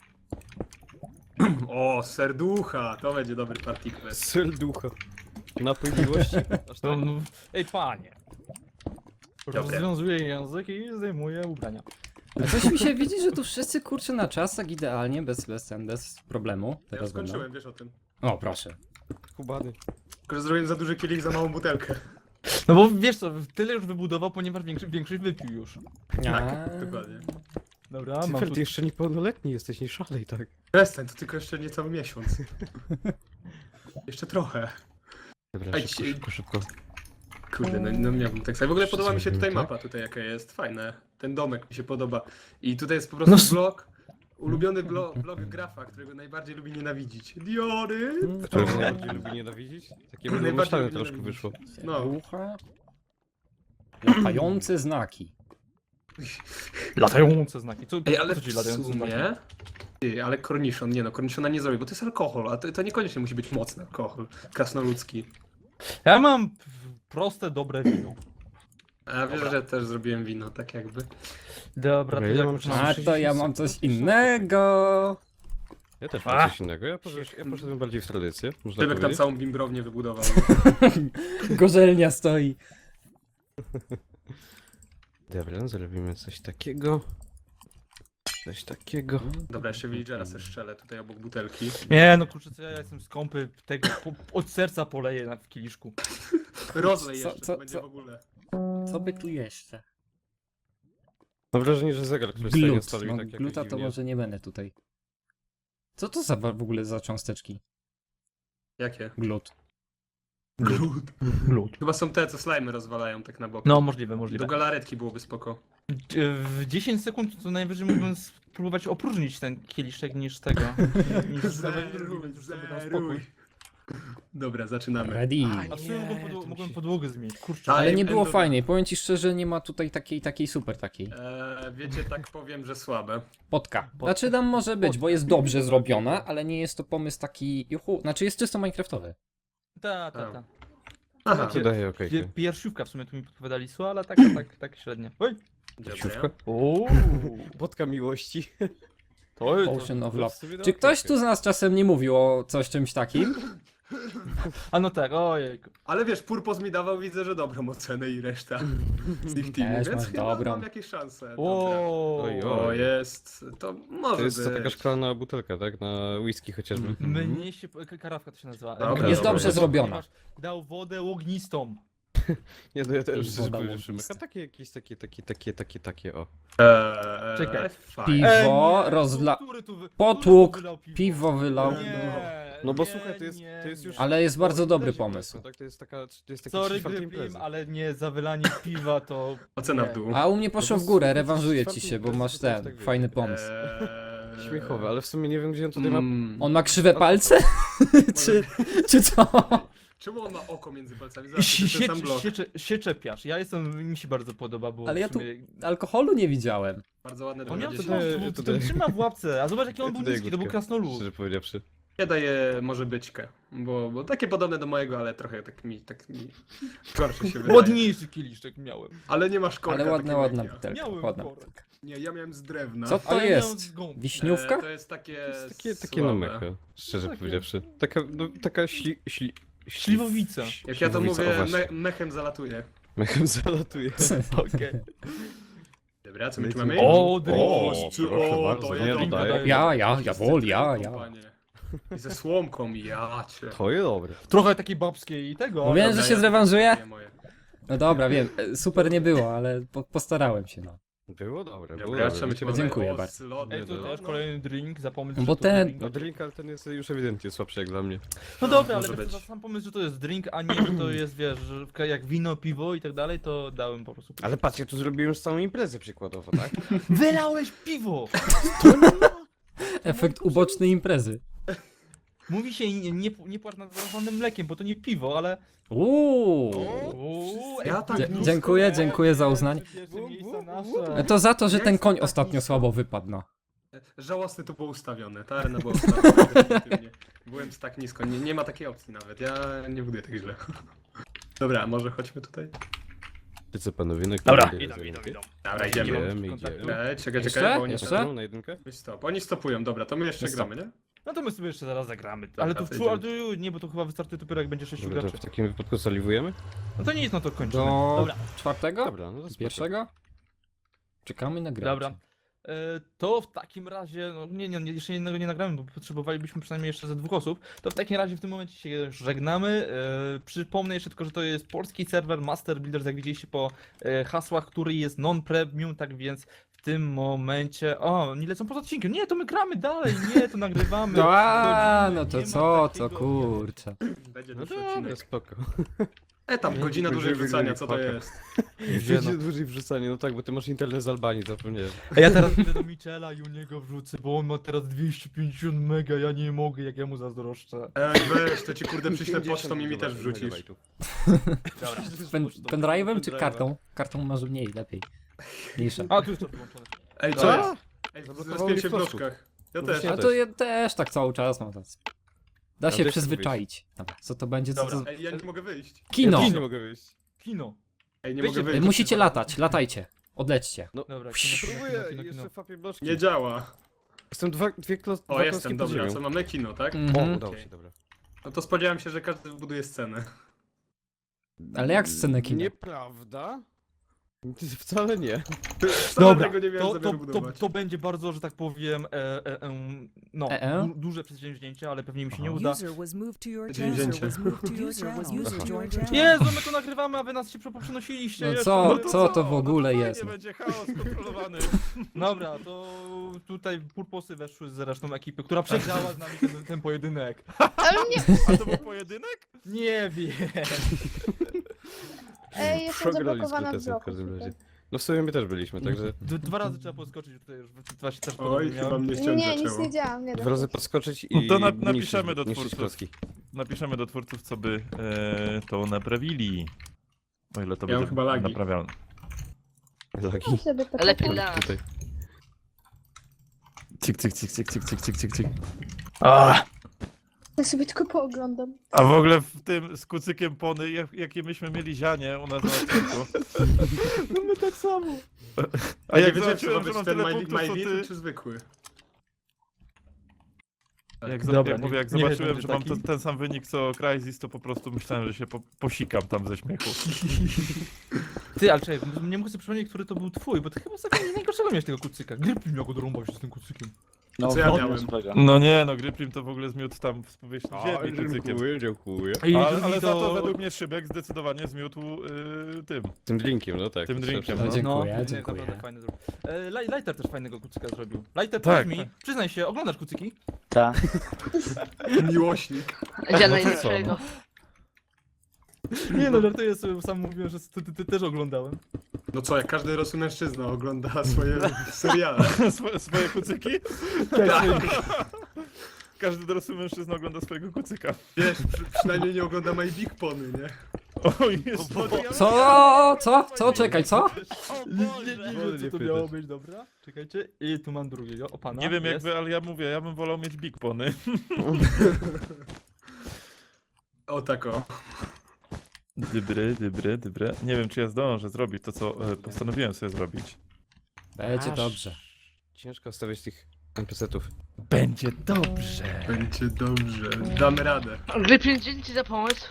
[SPEAKER 3] O, serducha, to będzie dobry partikles.
[SPEAKER 1] Serducha. Napój miłości. Aż
[SPEAKER 2] No,
[SPEAKER 1] tak?
[SPEAKER 2] no, ej, panie.
[SPEAKER 3] Dobra.
[SPEAKER 2] Rozwiązuję język i zdejmuję ubrania.
[SPEAKER 4] A coś mi się widzi, że tu wszyscy kurczę na czasach idealnie, bez problemu.
[SPEAKER 3] Ja już
[SPEAKER 4] Teraz będą.
[SPEAKER 3] skończyłem, wiesz o tym.
[SPEAKER 4] O, proszę.
[SPEAKER 1] Kubany.
[SPEAKER 3] Tylko, że zrobiłem za duży kielich, za małą butelkę.
[SPEAKER 2] No bo wiesz co, tyle już wybudował, ponieważ większość wypił już.
[SPEAKER 3] Tak, dokładnie.
[SPEAKER 2] Dobra, mam
[SPEAKER 1] Cyfer,
[SPEAKER 2] tu...
[SPEAKER 1] ty jeszcze niepełnoletni jesteś, nie szalej tak.
[SPEAKER 3] Przestań, to tylko jeszcze niecały miesiąc. Jeszcze trochę.
[SPEAKER 1] Dobra,
[SPEAKER 3] Ej,
[SPEAKER 1] szybko,
[SPEAKER 3] ci-
[SPEAKER 1] szybko, szybko.
[SPEAKER 3] Kurde, no miałbym tak samo. W ogóle podoba mi się tutaj
[SPEAKER 1] Zrobimy tak?
[SPEAKER 3] mapa, tutaj jaka jest, fajne. Ten domek mi się podoba. I tutaj jest po prostu
[SPEAKER 2] No
[SPEAKER 3] blok, ulubiony blok grafa, którego najbardziej lubi nienawidzić. Diory!
[SPEAKER 1] Którego najbardziej lubi nienawidzić? Takie
[SPEAKER 3] Najbardziej
[SPEAKER 1] myślane
[SPEAKER 3] lubi
[SPEAKER 1] troszkę
[SPEAKER 3] nienawidzić.
[SPEAKER 1] wyszło.
[SPEAKER 3] No.
[SPEAKER 4] Ucha. Latające znaki.
[SPEAKER 2] Latające znaki. Co,
[SPEAKER 3] Ej, ale
[SPEAKER 2] co ci
[SPEAKER 3] w
[SPEAKER 2] latające znaki?
[SPEAKER 3] sumie... Ty, ale korniszon, nie no, korniszona nie zrobię, bo to jest alkohol, a to niekoniecznie musi być mocny alkohol, krasnoludzki.
[SPEAKER 2] Ja mam proste, dobre wino.
[SPEAKER 3] A wiesz,
[SPEAKER 2] Dobra.
[SPEAKER 3] że też zrobiłem wino, tak jakby.
[SPEAKER 2] Dobra, to
[SPEAKER 1] ja
[SPEAKER 2] jak
[SPEAKER 1] mam
[SPEAKER 2] już
[SPEAKER 1] czas.
[SPEAKER 2] mam...
[SPEAKER 4] A to ja mam coś innego.
[SPEAKER 1] Ja też
[SPEAKER 2] A.
[SPEAKER 1] mam coś innego. Ja poszedłem bardziej w tradycję, można
[SPEAKER 3] Tybek tam
[SPEAKER 1] powiedzieć.
[SPEAKER 3] całą bimbrownię wybudował.
[SPEAKER 4] Gorzelnia stoi.
[SPEAKER 1] Dobra, zrobimy coś takiego. Coś takiego.
[SPEAKER 3] Dobra, jeszcze villagera se strzelę tutaj obok butelki.
[SPEAKER 2] Nie, no kurczę, co ja jestem skąpy, tego od serca poleję w kieliszku.
[SPEAKER 3] Rozlej
[SPEAKER 4] Co-
[SPEAKER 3] jeszcze,
[SPEAKER 4] co-
[SPEAKER 3] to będzie
[SPEAKER 4] co?
[SPEAKER 3] w ogóle.
[SPEAKER 4] Co by tu jeszcze?
[SPEAKER 1] Mam wrażenie, że zegar, który stoi na
[SPEAKER 4] Glut.
[SPEAKER 1] stole
[SPEAKER 4] No,
[SPEAKER 1] mi tak jakoś
[SPEAKER 4] gluta to
[SPEAKER 1] dziwnie.
[SPEAKER 4] może nie będę tutaj. Co to za w ogóle za cząsteczki?
[SPEAKER 3] Jakie?
[SPEAKER 4] Glut.
[SPEAKER 3] Glut.
[SPEAKER 2] Glut.
[SPEAKER 3] Chyba są te, co slajmy rozwalają tak na bok.
[SPEAKER 2] No, możliwe,
[SPEAKER 3] Do
[SPEAKER 2] możliwe.
[SPEAKER 3] galaretki byłoby spoko.
[SPEAKER 2] W 10 sekund to najwyżej mógłbym spróbować opróżnić ten kieliszek niż tego. niż już sobie dam spokój.
[SPEAKER 3] Dobra, zaczynamy.
[SPEAKER 4] Ready.
[SPEAKER 2] A w sumie mogłem podłogę zmienić, kurczę.
[SPEAKER 3] Tak.
[SPEAKER 4] Ale nie było
[SPEAKER 3] Endo-
[SPEAKER 4] fajnej. Powiem ci szczerze, nie ma tutaj takiej super takiej.
[SPEAKER 3] Wiecie, tak powiem, że słabe.
[SPEAKER 4] Potka. Znaczy tam może być, bo jest dobrze zrobiona, ale nie jest to pomysł taki... Juhu, znaczy jest czysto minecraftowy.
[SPEAKER 2] Ta.
[SPEAKER 3] Aha,
[SPEAKER 1] To daje okej.
[SPEAKER 2] Piersiówka w sumie tu mi podpowiadali słowa, ale tak średnio. Oj!
[SPEAKER 1] Siówka?
[SPEAKER 2] Ooo!
[SPEAKER 1] Wodka miłości.
[SPEAKER 2] To jest...
[SPEAKER 4] Ocean of
[SPEAKER 1] To
[SPEAKER 4] Love.
[SPEAKER 1] w sumie
[SPEAKER 4] Czy ktoś
[SPEAKER 1] okej.
[SPEAKER 4] tu z nas czasem nie mówił o coś czymś takim?
[SPEAKER 2] A no tak, ojejku.
[SPEAKER 3] Ale wiesz, Purpos mi dawał, widzę, że dobrą ocenę i reszta z ich teamu,
[SPEAKER 4] Też
[SPEAKER 3] więc
[SPEAKER 4] masz
[SPEAKER 3] chyba
[SPEAKER 4] dobrą.
[SPEAKER 3] mam jakieś szanse. Dobra.
[SPEAKER 1] Oj,
[SPEAKER 3] O, jest, to może
[SPEAKER 1] To jest to
[SPEAKER 3] być.
[SPEAKER 1] taka szklana butelka, tak? Na whisky chociażby.
[SPEAKER 2] Mnie się... Karawka to się nazywa.
[SPEAKER 3] Dobra,
[SPEAKER 4] Jest
[SPEAKER 3] dobra.
[SPEAKER 4] dobrze zrobiona.
[SPEAKER 2] Ponieważ Dał wodę ognistą.
[SPEAKER 1] Nie, no ja też
[SPEAKER 4] Woda
[SPEAKER 1] spojrzę,
[SPEAKER 4] łączna.
[SPEAKER 1] Szymek. A takie jakieś, takie, o.
[SPEAKER 2] Czekaj.
[SPEAKER 3] Fajnie.
[SPEAKER 4] Piwo
[SPEAKER 2] nie,
[SPEAKER 4] rozla...
[SPEAKER 2] który tu wy-
[SPEAKER 4] Potłuk,
[SPEAKER 2] który tu wylał
[SPEAKER 4] piwo wylał.
[SPEAKER 2] Nie,
[SPEAKER 1] No bo
[SPEAKER 2] nie,
[SPEAKER 1] słuchaj,
[SPEAKER 2] nie,
[SPEAKER 1] to jest już...
[SPEAKER 4] Ale jest bardzo
[SPEAKER 1] po
[SPEAKER 4] dobry
[SPEAKER 1] imprezie
[SPEAKER 4] pomysł.
[SPEAKER 1] po prostu, Tak? To jest taki
[SPEAKER 2] Sorry,
[SPEAKER 1] czwarty
[SPEAKER 2] Grypim,
[SPEAKER 1] imprezy.
[SPEAKER 2] ale nie, za wylanie piwa to...
[SPEAKER 3] Ocena w
[SPEAKER 2] nie.
[SPEAKER 3] dół.
[SPEAKER 4] A u mnie poszło
[SPEAKER 1] No bo
[SPEAKER 4] w górę,
[SPEAKER 1] słuchaj,
[SPEAKER 4] rewanżuję
[SPEAKER 1] czwarty
[SPEAKER 4] ci się, bo
[SPEAKER 1] imprezy
[SPEAKER 4] masz
[SPEAKER 1] to też
[SPEAKER 4] ten,
[SPEAKER 1] tak wiecie.
[SPEAKER 4] fajny pomysł.
[SPEAKER 1] Śmiechowe, ale w sumie nie wiem, gdzie on tutaj ma...
[SPEAKER 4] On ma krzywe palce? czy co?
[SPEAKER 3] Czemu on ma oko między palcami? Zobacz, to jest ten sam blok.
[SPEAKER 2] Się czepiasz. Ja jestem, mi się bardzo podoba, bo
[SPEAKER 4] Ale ja
[SPEAKER 2] w
[SPEAKER 4] tu
[SPEAKER 2] sumie...
[SPEAKER 4] alkoholu nie widziałem.
[SPEAKER 3] Bardzo ładne
[SPEAKER 2] On miał
[SPEAKER 3] 20.
[SPEAKER 2] to
[SPEAKER 1] tutaj-
[SPEAKER 2] trzyma w łapce, a zobacz jaki on był
[SPEAKER 1] Tutaj
[SPEAKER 2] niski, to był
[SPEAKER 1] górkę,
[SPEAKER 2] krasnolud.
[SPEAKER 1] Szczerze powiedziawszy.
[SPEAKER 3] Ja daję może byćkę, bo takie podobne do mojego, ale trochę tak mi gorsze się wydaje.
[SPEAKER 2] Ładniejszy kieliszek miałem.
[SPEAKER 3] Ale nie masz korka
[SPEAKER 4] Ale ładna
[SPEAKER 3] takiego jak ja.
[SPEAKER 4] butelka,
[SPEAKER 2] Miałem
[SPEAKER 4] ładna
[SPEAKER 2] korek.
[SPEAKER 4] butelka.
[SPEAKER 3] Nie, ja miałem z drewna.
[SPEAKER 4] Co to
[SPEAKER 2] Ale miałem
[SPEAKER 4] jest?
[SPEAKER 2] z gąb.
[SPEAKER 4] Wiśniówka?
[SPEAKER 3] To jest takie
[SPEAKER 1] Takie no
[SPEAKER 3] słabe.
[SPEAKER 1] mecha, szczerze
[SPEAKER 2] Takie.
[SPEAKER 1] powiedziawszy. Taka
[SPEAKER 2] Śliwowica.
[SPEAKER 3] Jak ja to
[SPEAKER 1] śliwowica,
[SPEAKER 3] mówię,
[SPEAKER 1] o właśnie.
[SPEAKER 3] mechem zalatuje.
[SPEAKER 1] Mechem zalatuje.
[SPEAKER 2] Okej.
[SPEAKER 3] Dobra, co my tu
[SPEAKER 1] Lecimy.
[SPEAKER 3] mamy?
[SPEAKER 2] O, drink.
[SPEAKER 1] proszę bardzo,
[SPEAKER 3] to
[SPEAKER 1] nie,
[SPEAKER 3] jest
[SPEAKER 1] dodaję.
[SPEAKER 3] dobre.
[SPEAKER 4] Ja,
[SPEAKER 3] Wszyscy
[SPEAKER 4] wol,
[SPEAKER 3] drinką,
[SPEAKER 4] ja.
[SPEAKER 3] panie. I ze słomką, ja cię.
[SPEAKER 1] To jest dobre.
[SPEAKER 2] Trochę takiej babskiej i tego.
[SPEAKER 4] Mówiłem,
[SPEAKER 2] ale-
[SPEAKER 4] że się zrewanżuję?
[SPEAKER 3] Nie moje.
[SPEAKER 4] No dobra, wiem, super nie było, ale postarałem się, no.
[SPEAKER 1] Było dobre, było
[SPEAKER 3] Dobra,
[SPEAKER 1] dobre.
[SPEAKER 3] co my tu mamy?
[SPEAKER 4] Dziękuję
[SPEAKER 3] O,
[SPEAKER 4] bardzo.
[SPEAKER 3] z lodem,
[SPEAKER 2] Ej, to
[SPEAKER 3] no,
[SPEAKER 2] też
[SPEAKER 3] no.
[SPEAKER 2] kolejny drink, zapomnij,
[SPEAKER 4] No
[SPEAKER 2] że
[SPEAKER 4] bo
[SPEAKER 2] to
[SPEAKER 4] ten-
[SPEAKER 2] drink.
[SPEAKER 1] No drink, ale ten jest już ewidentnie słabszy jak dla mnie.
[SPEAKER 2] No dobra, ale
[SPEAKER 3] może
[SPEAKER 2] wiesz,
[SPEAKER 3] być.
[SPEAKER 2] sam pomysł, że to jest drink, a nie, że to jest, wiesz, że jak wino, piwo i tak dalej, to dałem po prostu.
[SPEAKER 1] Ale patrz, ja tu zrobiłem już całą imprezę przykładowo, tak?
[SPEAKER 2] Wylałeś piwo!
[SPEAKER 4] Efekt ubocznej imprezy.
[SPEAKER 2] Mówi się nie płacz nad zalewanym mlekiem, bo to nie piwo, ale...
[SPEAKER 4] Uuu.
[SPEAKER 3] Ja tak
[SPEAKER 4] Dzie-
[SPEAKER 3] nisko-
[SPEAKER 4] dziękuję za uznanie.
[SPEAKER 2] Pierwsze miejsca nasze.
[SPEAKER 4] To za to, że
[SPEAKER 3] Ja
[SPEAKER 4] ten
[SPEAKER 3] jestem
[SPEAKER 4] koń
[SPEAKER 3] tak
[SPEAKER 4] ostatnio
[SPEAKER 3] nisko.
[SPEAKER 4] słabo wypadł, no.
[SPEAKER 3] Żałosne to było ustawione, ta arena była ustawiona definitywnie. Byłem tak nisko, nie ma takiej opcji nawet, ja nie buduję tak źle. Dobra, może chodźmy tutaj?
[SPEAKER 1] Ty co panowie, na
[SPEAKER 2] Dobra.
[SPEAKER 3] Dobra, idziemy.
[SPEAKER 1] Idziemy.
[SPEAKER 3] Czekaj,
[SPEAKER 4] Jeszcze?
[SPEAKER 3] bo oni
[SPEAKER 4] Jeszcze?
[SPEAKER 3] stopują.
[SPEAKER 1] Na jedynkę?
[SPEAKER 3] Weź stop. Oni stopują, dobra, to my jeszcze
[SPEAKER 4] Stop.
[SPEAKER 3] gramy, nie?
[SPEAKER 2] No to my sobie jeszcze zaraz zagramy.
[SPEAKER 3] Dobra,
[SPEAKER 2] Ale to
[SPEAKER 3] to
[SPEAKER 2] w nie, bo to chyba wystartuje dopiero jak będzie 6
[SPEAKER 1] Dobra, to
[SPEAKER 2] graczy.
[SPEAKER 1] w takim wypadku zaliwujemy?
[SPEAKER 2] No to nic, no to kończymy.
[SPEAKER 4] Do
[SPEAKER 2] Dobra.
[SPEAKER 4] czwartego?
[SPEAKER 1] Dobra, no to spoko.
[SPEAKER 4] Pierwszego? Czekamy na grę.
[SPEAKER 2] Dobra. To w takim razie, no nie, jeszcze jednego nie nagramy, bo potrzebowalibyśmy przynajmniej jeszcze ze 2 osób. To w takim razie w tym momencie się żegnamy. Przypomnę jeszcze tylko, że to jest polski serwer Master Builders, jak widzieliście po hasłach, który jest non-premium, tak więc w tym momencie... O, nie lecą poza odcinkiem. Nie, to my gramy dalej, nie, to nagrywamy.
[SPEAKER 4] No
[SPEAKER 2] Wchodzimy,
[SPEAKER 4] no to
[SPEAKER 2] nie ma
[SPEAKER 4] co,
[SPEAKER 2] takiego,
[SPEAKER 4] kurczę.
[SPEAKER 3] Będzie
[SPEAKER 1] No
[SPEAKER 3] dłuższy
[SPEAKER 1] dobra,
[SPEAKER 3] odcinek.
[SPEAKER 1] spoko.
[SPEAKER 3] Etap, godzina dłużej
[SPEAKER 1] Będziemy
[SPEAKER 3] wrzucania, co to
[SPEAKER 1] grali w
[SPEAKER 3] jest?
[SPEAKER 1] Będzie dłużej wrzucanie, no tak, bo ty masz internet z Albanii, zapomniałem.
[SPEAKER 2] A ja teraz idę do Michela i u niego wrzucę, bo on ma teraz 250 mega, ja nie mogę, jak ja mu zazdroszczę.
[SPEAKER 3] Ej, weź, to ci kurde przyślę pocztą i mi też wrzucisz.
[SPEAKER 2] Dobra.
[SPEAKER 4] Pendrive'em czy kartą? Kartą może mniej, lepiej. Mniejsza.
[SPEAKER 2] A, tu jest to wyłączone.
[SPEAKER 3] Ej, co
[SPEAKER 2] Dobra.
[SPEAKER 3] jest? Ej,
[SPEAKER 1] Zablokowało
[SPEAKER 3] zrespiłem
[SPEAKER 1] mi
[SPEAKER 3] się w
[SPEAKER 1] flaszku.
[SPEAKER 3] bloczkach. Ja
[SPEAKER 1] No
[SPEAKER 3] też.
[SPEAKER 1] właśnie.
[SPEAKER 4] A to ja też tak cały czas mam. Da się
[SPEAKER 1] też
[SPEAKER 4] przyzwyczaić. Dobra, co to będzie? Co
[SPEAKER 2] Dobra.
[SPEAKER 4] to...
[SPEAKER 3] Ej, ja nie mogę wyjść.
[SPEAKER 4] Kino!
[SPEAKER 1] Ja też nie mogę wyjść.
[SPEAKER 2] Kino.
[SPEAKER 3] Ej, nie
[SPEAKER 2] Wyjście,
[SPEAKER 3] mogę wyjść.
[SPEAKER 4] Musicie latać, latajcie. Odlećcie.
[SPEAKER 2] Dobra,
[SPEAKER 1] Próbuję, jeszcze fapię bloczki.
[SPEAKER 3] Nie działa.
[SPEAKER 1] Jestem dwa
[SPEAKER 3] O,
[SPEAKER 1] klocki
[SPEAKER 3] jestem,
[SPEAKER 1] pod
[SPEAKER 3] dobra,
[SPEAKER 1] ziemią.
[SPEAKER 3] co mamy kino, tak?
[SPEAKER 4] Mhm.
[SPEAKER 1] O, udało
[SPEAKER 3] Okej.
[SPEAKER 1] się, dobra.
[SPEAKER 3] No to spodziewałem się, że każdy wybuduje scenę.
[SPEAKER 4] Ale jak scenę kina?
[SPEAKER 1] Nieprawda? Wcale nie.
[SPEAKER 2] Dobra,
[SPEAKER 3] tego nie miałem
[SPEAKER 2] to,
[SPEAKER 3] zamiaru
[SPEAKER 2] to,
[SPEAKER 3] budować.
[SPEAKER 2] to będzie bardzo, że tak powiem, no, duże przedsięwzięcie, ale pewnie mi się nie uda.
[SPEAKER 5] User was moved to your
[SPEAKER 3] Dzień
[SPEAKER 5] channel.
[SPEAKER 3] wzięcia.
[SPEAKER 5] User was moved to your channel.
[SPEAKER 2] Jezu, my to nagrywamy, a wy nas się przenosiliście.
[SPEAKER 4] No
[SPEAKER 2] jeszcze.
[SPEAKER 4] co to w ogóle jest? no?
[SPEAKER 1] będzie chaos kontrolowany.
[SPEAKER 2] Dobra, to tutaj purposy weszły z resztą ekipy, która przegrała z nami ten pojedynek.
[SPEAKER 6] Ale nie,
[SPEAKER 1] A to był pojedynek?
[SPEAKER 2] Nie wiem.
[SPEAKER 6] ej, jestem
[SPEAKER 1] Przegrali
[SPEAKER 6] zablokowana w
[SPEAKER 1] z
[SPEAKER 6] bloku.
[SPEAKER 1] każdym razie.
[SPEAKER 6] tutaj.
[SPEAKER 1] No w sumie my też byliśmy, także
[SPEAKER 2] 2 razy trzeba podskoczyć, tutaj już właśnie też
[SPEAKER 3] Oj,
[SPEAKER 2] podobnie
[SPEAKER 3] chyba
[SPEAKER 2] miałem.
[SPEAKER 3] mnie ściąg
[SPEAKER 6] Nie, nic
[SPEAKER 3] zaczęło.
[SPEAKER 6] nie działam, nie da
[SPEAKER 1] 2 razy
[SPEAKER 6] się.
[SPEAKER 1] podskoczyć i
[SPEAKER 7] No to napiszemy
[SPEAKER 1] niszczyć-
[SPEAKER 7] do
[SPEAKER 1] niszczyć
[SPEAKER 7] twórców.
[SPEAKER 1] klocki.
[SPEAKER 7] Napiszemy do twórców, co by to naprawili. O ile to
[SPEAKER 3] Ja mam
[SPEAKER 7] będzie
[SPEAKER 3] chyba lagi.
[SPEAKER 7] naprawialne.
[SPEAKER 1] Lagi.
[SPEAKER 6] Ja sobie to
[SPEAKER 8] Lepiej
[SPEAKER 6] kupię.
[SPEAKER 8] dla nas.
[SPEAKER 1] Tutaj.
[SPEAKER 7] Cik, cik, cik, cik, cik, cik, cik, cik, cik.
[SPEAKER 6] Ja sobie tylko pooglądam.
[SPEAKER 7] A w ogóle w tym z kucykiem pony, jakie myśmy mieli zianie u nas na odcinku.
[SPEAKER 2] No my tak samo.
[SPEAKER 7] A jak
[SPEAKER 3] nie wiedziałem, czy
[SPEAKER 7] zobaczyłem,
[SPEAKER 3] to
[SPEAKER 7] że mam
[SPEAKER 3] ten
[SPEAKER 7] tyle punktów, co ty...
[SPEAKER 3] czy zwykły?
[SPEAKER 2] Dobra,
[SPEAKER 7] Jak
[SPEAKER 2] nie
[SPEAKER 7] zobaczyłem,
[SPEAKER 2] wiedziałem,
[SPEAKER 7] że
[SPEAKER 2] że
[SPEAKER 7] mam
[SPEAKER 2] taki.
[SPEAKER 7] ten sam wynik co Crysis, to po prostu myślałem, że się posikam tam ze śmiechu.
[SPEAKER 2] Ty, ale czekaj, nie mogę sobie przypomnieć, który to był twój, bo ty chyba sobie najgorszego miałeś tego kucyka. Grypin miał go dorąbać się z tym kucykiem.
[SPEAKER 8] No,
[SPEAKER 3] Co ja
[SPEAKER 8] wodny
[SPEAKER 3] miałem?
[SPEAKER 8] swego.
[SPEAKER 7] No nie, no Gryprim to w ogóle zmiótł tam z powierzchni ziemi kucykiem.
[SPEAKER 1] dziękuję.
[SPEAKER 2] I
[SPEAKER 7] Ale,
[SPEAKER 2] drugi
[SPEAKER 7] ale za to
[SPEAKER 2] to...
[SPEAKER 7] według mnie Szybek zdecydowanie zmiótł tym.
[SPEAKER 1] Tym drinkiem, no tak.
[SPEAKER 7] Tym drinkiem,
[SPEAKER 4] No,
[SPEAKER 7] no.
[SPEAKER 4] dziękuję,
[SPEAKER 2] nie,
[SPEAKER 4] dziękuję.
[SPEAKER 2] naprawdę fajny zrobił. Lighter też fajnego kucyka zrobił. Lighter,
[SPEAKER 7] Tak,
[SPEAKER 2] powiedz mi,
[SPEAKER 7] tak.
[SPEAKER 2] przyznaj się, oglądasz kucyki?
[SPEAKER 8] Tak.
[SPEAKER 3] Miłośnik.
[SPEAKER 8] Gdzie
[SPEAKER 7] No to co,
[SPEAKER 8] najlepszego?
[SPEAKER 2] Nie no, żartuję sobie, bo sam mówiłem, że ty też oglądałem.
[SPEAKER 3] No co, jak każdy dorosły mężczyzna ogląda swoje seriale.
[SPEAKER 7] swoje kucyki? Każdy dorosły mężczyzna ogląda swojego kucyka.
[SPEAKER 3] Wiesz, przynajmniej nie ogląda My Big Pony, nie?
[SPEAKER 7] Oj, jest
[SPEAKER 4] Co? Czekaj, co?
[SPEAKER 2] Nie wiem, co to miało być, dobra? Czekajcie. I tu mam drugiego, o pana.
[SPEAKER 7] Nie wiem jak
[SPEAKER 2] jest.
[SPEAKER 7] wy, ale ja mówię, ja bym wolał mieć Big Pony.
[SPEAKER 3] O tak o.
[SPEAKER 7] Dybre. Nie wiem, czy ja zdążę zrobić to, co postanowiłem sobie zrobić.
[SPEAKER 4] Będzie
[SPEAKER 1] Aż
[SPEAKER 4] dobrze.
[SPEAKER 1] Ciężko stawiać tych NPC-ów.
[SPEAKER 7] Będzie dobrze.
[SPEAKER 3] Będzie dobrze. Damy radę.
[SPEAKER 8] Grypin, dzięki ci za pomysł.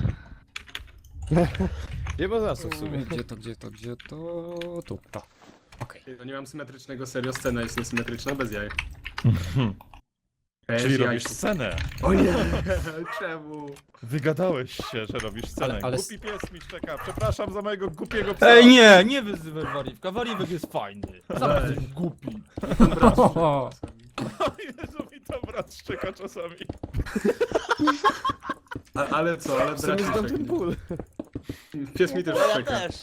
[SPEAKER 1] Nie ma za co w sumie.
[SPEAKER 4] Gdzie to? Tu, to. Okej.
[SPEAKER 3] No nie mam symetrycznego, serio, scena jest niesymetryczna, bez jaj.
[SPEAKER 7] Czyli
[SPEAKER 3] Bez
[SPEAKER 7] robisz
[SPEAKER 3] jaj.
[SPEAKER 7] scenę.
[SPEAKER 3] O nie, czemu?
[SPEAKER 7] Wygadałeś się, że robisz scenę.
[SPEAKER 4] Ale-
[SPEAKER 7] Głupi pies mi szczeka. Przepraszam za mojego głupiego psa.
[SPEAKER 2] Ej, nie wyzywaj Wariwka. Wariwek jest fajny. Sam
[SPEAKER 3] Ej.
[SPEAKER 2] jesteś głupi.
[SPEAKER 4] O,
[SPEAKER 7] Jezu, mi to brat szczeka czasami.
[SPEAKER 3] Ale co, ale
[SPEAKER 1] W sumie znam
[SPEAKER 3] braci
[SPEAKER 1] ten ból.
[SPEAKER 3] Pies mi też
[SPEAKER 8] No ja
[SPEAKER 3] czeka.
[SPEAKER 8] też.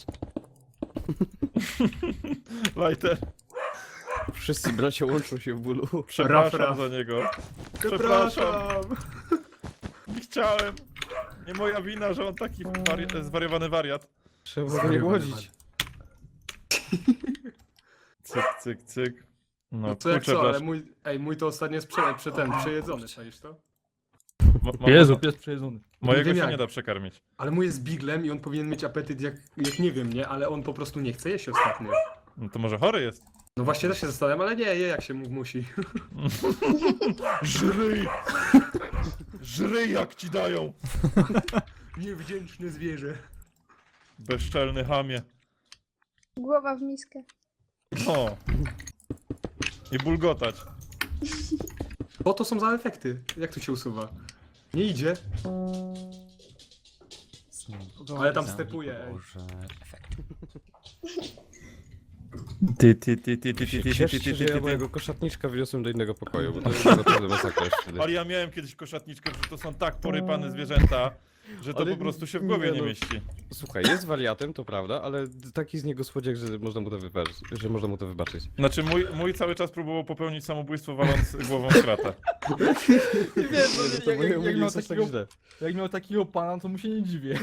[SPEAKER 7] Lighter,
[SPEAKER 1] Wszyscy bracia łączą się w bólu.
[SPEAKER 7] przepraszam
[SPEAKER 3] Raf.
[SPEAKER 7] za niego. Przepraszam. Nie chciałem. Nie moja wina, że on taki zwariowany wariat.
[SPEAKER 1] Trzeba go nie łodzić.
[SPEAKER 7] Cyk. No
[SPEAKER 3] Co jak
[SPEAKER 7] kurczę,
[SPEAKER 3] co, ale
[SPEAKER 7] brat.
[SPEAKER 3] mój to ostatnio jest przejedzony, czaisz to?
[SPEAKER 2] Jezu, pies przejedzony.
[SPEAKER 7] Mojego
[SPEAKER 3] wiem
[SPEAKER 7] się
[SPEAKER 3] jak.
[SPEAKER 7] nie da przekarmić.
[SPEAKER 3] Ale mój jest biglem i on powinien mieć apetyt jak nie wiem, nie? Ale on po prostu nie chce jeść ostatnio.
[SPEAKER 7] No to może chory jest.
[SPEAKER 3] No właśnie też się zastanawiam, ale nie, je jak się musi.
[SPEAKER 7] Żryj! Żryj jak ci dają!
[SPEAKER 3] Niewdzięczne zwierzę.
[SPEAKER 7] Bezczelny chamie.
[SPEAKER 6] Głowa w miskę.
[SPEAKER 7] O. I bulgotać.
[SPEAKER 3] Co to są za efekty? Jak to się usuwa? Nie idzie. Ale tam stepuje, ej.
[SPEAKER 4] Boże, efekt.
[SPEAKER 1] Cieszcie się, że ja mojego koszatniczka wniosłem do innego pokoju, bo to jest naprawdę masakra już wtedy.
[SPEAKER 7] Ale ja miałem kiedyś koszatniczkę, że to są tak porypane zwierzęta, że to
[SPEAKER 1] Ale
[SPEAKER 7] po prostu się w głowie
[SPEAKER 1] nie
[SPEAKER 7] nie
[SPEAKER 1] no.
[SPEAKER 7] mieści.
[SPEAKER 1] Słuchaj, jest wariatem, to prawda, ale taki z niego słodziak, że można mu to wybaczyć.
[SPEAKER 7] Znaczy mój cały czas próbował popełnić samobójstwo waląc głową w kratę.
[SPEAKER 2] Wiesz,
[SPEAKER 1] To moje
[SPEAKER 2] jak
[SPEAKER 1] mówienie
[SPEAKER 2] miał
[SPEAKER 1] jest aż tak
[SPEAKER 2] takiego,
[SPEAKER 1] źle.
[SPEAKER 2] jak miał takiego pana, to mu się nie dziwię.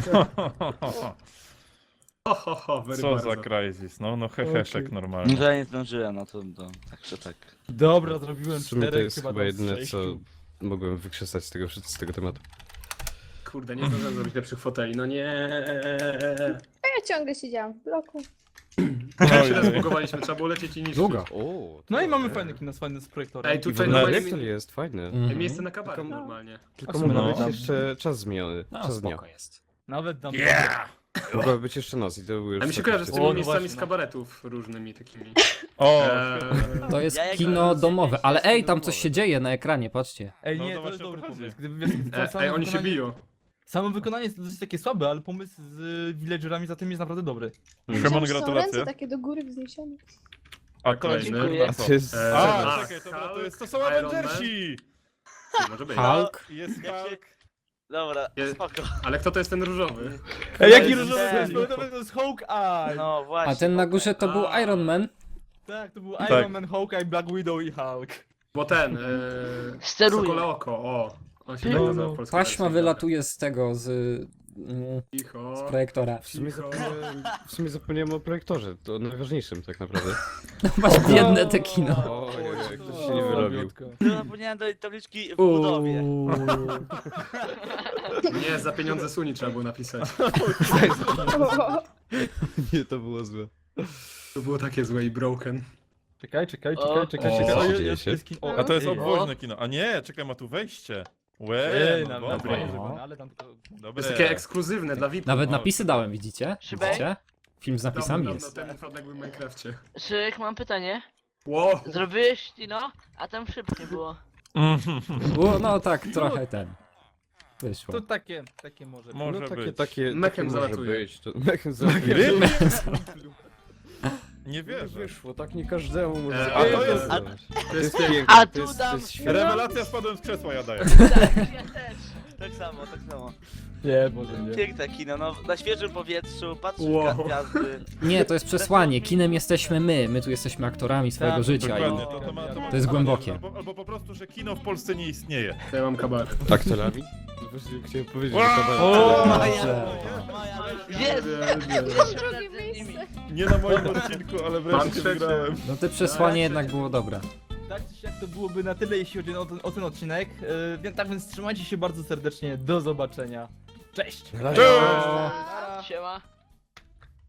[SPEAKER 3] Very
[SPEAKER 7] Co
[SPEAKER 3] bardzo.
[SPEAKER 7] za Crysis, no heheszek
[SPEAKER 8] No
[SPEAKER 7] normalnie.
[SPEAKER 8] to ja nie zdążyłem, no to także tak.
[SPEAKER 2] Dobra, zrobiłem
[SPEAKER 1] W sumie to
[SPEAKER 2] 4,
[SPEAKER 1] jest
[SPEAKER 2] chyba
[SPEAKER 1] chyba
[SPEAKER 2] tam
[SPEAKER 1] jedyne,
[SPEAKER 2] z
[SPEAKER 1] co
[SPEAKER 2] 6.
[SPEAKER 1] mogłem wykrzesać z tego tematu.
[SPEAKER 3] Kurde, nie zdążyłem zrobić lepszych foteli, no nie.
[SPEAKER 6] A ja ciągle siedziałam w bloku.
[SPEAKER 3] Ja się zbugowaliśmy, trzeba było lecieć i niszczyć.
[SPEAKER 4] Długo.
[SPEAKER 1] O,
[SPEAKER 2] No i mamy
[SPEAKER 1] fajne.
[SPEAKER 2] fajny kino, fajny z projektorem.
[SPEAKER 3] Ej,
[SPEAKER 1] I w
[SPEAKER 3] tutaj
[SPEAKER 1] ogóle
[SPEAKER 3] normalnie
[SPEAKER 1] Rektor jest fajny.
[SPEAKER 3] miejsce na kabaret
[SPEAKER 1] Tylko-
[SPEAKER 3] normalnie.
[SPEAKER 1] Tylko
[SPEAKER 2] sumie
[SPEAKER 1] może
[SPEAKER 7] no.
[SPEAKER 1] być jeszcze czas zmieniony.
[SPEAKER 4] No,
[SPEAKER 1] Czas dnia.
[SPEAKER 4] spoko jest.
[SPEAKER 2] Nawet dam.
[SPEAKER 7] Yeah!
[SPEAKER 1] Mogłaby być jeszcze noc i to był już...
[SPEAKER 3] A mi się
[SPEAKER 1] taki
[SPEAKER 3] kojarzy z
[SPEAKER 1] wtedy.
[SPEAKER 3] tymi
[SPEAKER 2] no
[SPEAKER 3] miejscami
[SPEAKER 2] właśnie,
[SPEAKER 3] z
[SPEAKER 2] no.
[SPEAKER 3] kabaretów różnymi takimi.
[SPEAKER 7] O!
[SPEAKER 4] To jest
[SPEAKER 8] Ja jak
[SPEAKER 4] kino
[SPEAKER 8] byłem
[SPEAKER 4] domowe, ale ej, tam coś
[SPEAKER 1] domowe.
[SPEAKER 4] się dzieje na ekranie, patrzcie.
[SPEAKER 2] Ej,
[SPEAKER 7] No
[SPEAKER 2] nie,
[SPEAKER 7] to
[SPEAKER 2] to jest
[SPEAKER 7] właśnie o
[SPEAKER 2] dobry
[SPEAKER 7] to chodzi.
[SPEAKER 2] pomysł. Gdyby wiesz,
[SPEAKER 3] Ej, oni się biją.
[SPEAKER 2] Samo wykonanie jest dosyć takie słabe, ale pomysł z villagerami za tym jest naprawdę dobry.
[SPEAKER 7] Szymon,
[SPEAKER 6] Myślałam, że są
[SPEAKER 7] gratulacje.
[SPEAKER 6] ręce takie do góry wzniesione.
[SPEAKER 7] A to jest
[SPEAKER 3] Kolejny.
[SPEAKER 7] kurwa
[SPEAKER 1] A
[SPEAKER 7] co?
[SPEAKER 1] to jest...
[SPEAKER 7] A,
[SPEAKER 3] A,
[SPEAKER 7] czekaj, dobra, to
[SPEAKER 3] Hulk,
[SPEAKER 7] jest, to są
[SPEAKER 3] Iron
[SPEAKER 7] Avengersi!
[SPEAKER 3] Może być.
[SPEAKER 4] Hulk.
[SPEAKER 7] Jest
[SPEAKER 8] Jak się-
[SPEAKER 7] Hulk.
[SPEAKER 8] Dobra,
[SPEAKER 3] Je-
[SPEAKER 8] spoko.
[SPEAKER 3] Ale kto to jest ten różowy?
[SPEAKER 2] Ej, jaki
[SPEAKER 8] jest
[SPEAKER 2] różowy
[SPEAKER 8] ten.
[SPEAKER 2] to jest Hawkeye!
[SPEAKER 8] No właśnie.
[SPEAKER 4] A ten na górze to był
[SPEAKER 3] A.
[SPEAKER 4] Iron Man.
[SPEAKER 2] Tak, to był
[SPEAKER 7] Tak.
[SPEAKER 2] Iron Man, Hawkeye, Black Widow i Hulk.
[SPEAKER 3] Bo ten,
[SPEAKER 8] Steruje.
[SPEAKER 3] Sokole oko, o. On się
[SPEAKER 2] No,
[SPEAKER 3] tak nazywa
[SPEAKER 2] no.
[SPEAKER 3] w polskiej
[SPEAKER 4] Taśma
[SPEAKER 3] wersji.
[SPEAKER 4] wylatuje z tego, z z
[SPEAKER 3] Cicho.
[SPEAKER 4] projektora.
[SPEAKER 1] W sumie zapomniałem o projektorze, to najważniejszym tak naprawdę.
[SPEAKER 4] No masz biedne te kino.
[SPEAKER 1] Ojej, ktoś się nie wyrobił.
[SPEAKER 8] No zapomniałem do tabliczki w budowie.
[SPEAKER 3] Nie, za pieniądze Suni trzeba było napisać.
[SPEAKER 1] Nie, to było złe.
[SPEAKER 3] To było takie złe i broken.
[SPEAKER 2] Czekaj.
[SPEAKER 1] O,
[SPEAKER 2] Jest kino.
[SPEAKER 7] A to jest
[SPEAKER 2] Ej,
[SPEAKER 7] obwoźne kino. A nie, czekaj, ma tu wejście.
[SPEAKER 2] Ej,
[SPEAKER 7] No
[SPEAKER 2] na
[SPEAKER 7] dobre.
[SPEAKER 2] no. Ale tam tylko...
[SPEAKER 3] To
[SPEAKER 7] Dobre.
[SPEAKER 3] jest takie ekskluzywne dla VIP.
[SPEAKER 4] Nawet
[SPEAKER 7] O.
[SPEAKER 4] napisy dałem, widzicie?
[SPEAKER 8] Szybek?
[SPEAKER 4] Widzicie? Film z napisami
[SPEAKER 3] Dawno
[SPEAKER 4] jest.
[SPEAKER 3] temu Fradek był w Minecrafcie.
[SPEAKER 8] Szyk, mam pytanie.
[SPEAKER 3] Wow.
[SPEAKER 8] Zrobiłeś kino, a tam szybkie było.
[SPEAKER 4] No tak, trochę ten. Wyszło.
[SPEAKER 2] To takie może być.
[SPEAKER 7] Może
[SPEAKER 1] No
[SPEAKER 7] być.
[SPEAKER 1] takie
[SPEAKER 3] Mechem
[SPEAKER 1] może
[SPEAKER 3] zalatuje.
[SPEAKER 1] być. Mechem zalatuje.
[SPEAKER 7] Ryby? Nie wierzę.
[SPEAKER 1] Wyszło, tak nie każdemu może.
[SPEAKER 3] A
[SPEAKER 7] to jest-
[SPEAKER 1] To jest
[SPEAKER 3] piękne.
[SPEAKER 1] piękne,
[SPEAKER 8] A
[SPEAKER 1] to
[SPEAKER 8] tu
[SPEAKER 1] jest,
[SPEAKER 8] dam-
[SPEAKER 1] to jest świetne.
[SPEAKER 7] Rewelacja, spadłem z krzesła, ja daję.
[SPEAKER 8] Tak, ja też. Tak samo.
[SPEAKER 2] Nie, może nie.
[SPEAKER 8] Piękne kino, no na świeżym powietrzu, patrzysz
[SPEAKER 3] Wow.
[SPEAKER 8] w gwiazdy.
[SPEAKER 4] Nie, to jest przesłanie. Kinem jesteśmy my. My tu jesteśmy aktorami swojego
[SPEAKER 2] Tak,
[SPEAKER 4] życia.
[SPEAKER 7] Dokładnie,
[SPEAKER 4] I...
[SPEAKER 7] to
[SPEAKER 4] To jest głębokie.
[SPEAKER 7] Albo po prostu, że kino w Polsce nie istnieje.
[SPEAKER 3] To ja mam kabaret.
[SPEAKER 1] Aktorami? Właśnie chciałem powiedzieć, że
[SPEAKER 7] Wow!
[SPEAKER 1] kabaret.
[SPEAKER 4] O,
[SPEAKER 8] Maja.
[SPEAKER 4] dobrze.
[SPEAKER 8] Jest!
[SPEAKER 6] Drugie miejsce.
[SPEAKER 7] Nie na moim odcinku, ale
[SPEAKER 3] Mam
[SPEAKER 7] wreszcie
[SPEAKER 3] trzecie.
[SPEAKER 7] wygrałem.
[SPEAKER 4] No te przesłanie jednak było dobre.
[SPEAKER 2] Tak czy siak to byłoby na tyle, jeśli chodzi o ten odcinek. Tak więc trzymajcie się bardzo serdecznie. Do zobaczenia. Cześć!
[SPEAKER 1] Na razie.
[SPEAKER 3] Cześć!
[SPEAKER 8] Siema.